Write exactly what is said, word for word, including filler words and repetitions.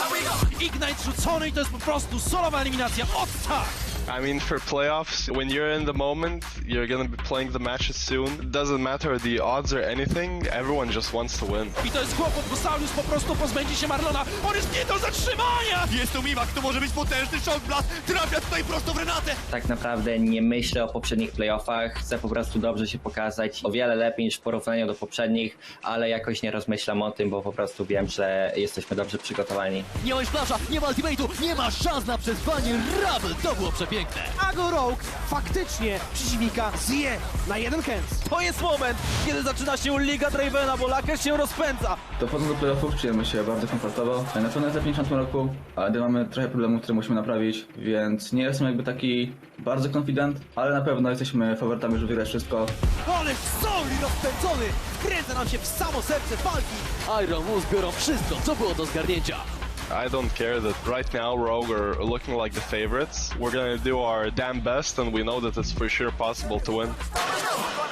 Ignite rzucony i to jest po prostu solowa eliminacja od tak. I mean, for playoffs, when you're in the moment, you're gonna be playing the matches soon. It doesn't matter the odds or anything, everyone just wants to win. I to jest kłopot, bo Saulus po prostu pozbędzie się Marlona. On jest nie do zatrzymania! Jest to Mimak, to może być potężny shock blast. Trafia tutaj prosto w Renatę. Tak naprawdę nie myślę o poprzednich playoffach, chcę po prostu dobrze się pokazać, o wiele lepiej niż w porównaniu do poprzednich, ale jakoś nie rozmyślam o tym, bo po prostu wiem, że jesteśmy dobrze przygotowani. Nie ma już flasza, nie ma ultimate'u, nie ma szans na przetrwanie. Rabel, to było przepiękne. Ago Rogue faktycznie przeciwnika zje na jeden hands. To jest moment, kiedy zaczyna się Liga Dravena, bo Laker się rozpędza. Dochodząc do playoffów czujemy się bardzo komfortowo. Na pewno jest lepiej niż w tym roku, ale mamy trochę problemów, które musimy naprawić, więc nie jestem jakby taki bardzo confident, ale na pewno jesteśmy faworytami, żeby wygrać wszystko. Ale Sauli rozpędzony! Wkręca nam się w samo serce walki! Iron Wolves biorą wszystko, co było do zgarnięcia. I don't care that right now Rogue are looking like the favorites. We're gonna do our damn best and we know that it's for sure possible to win.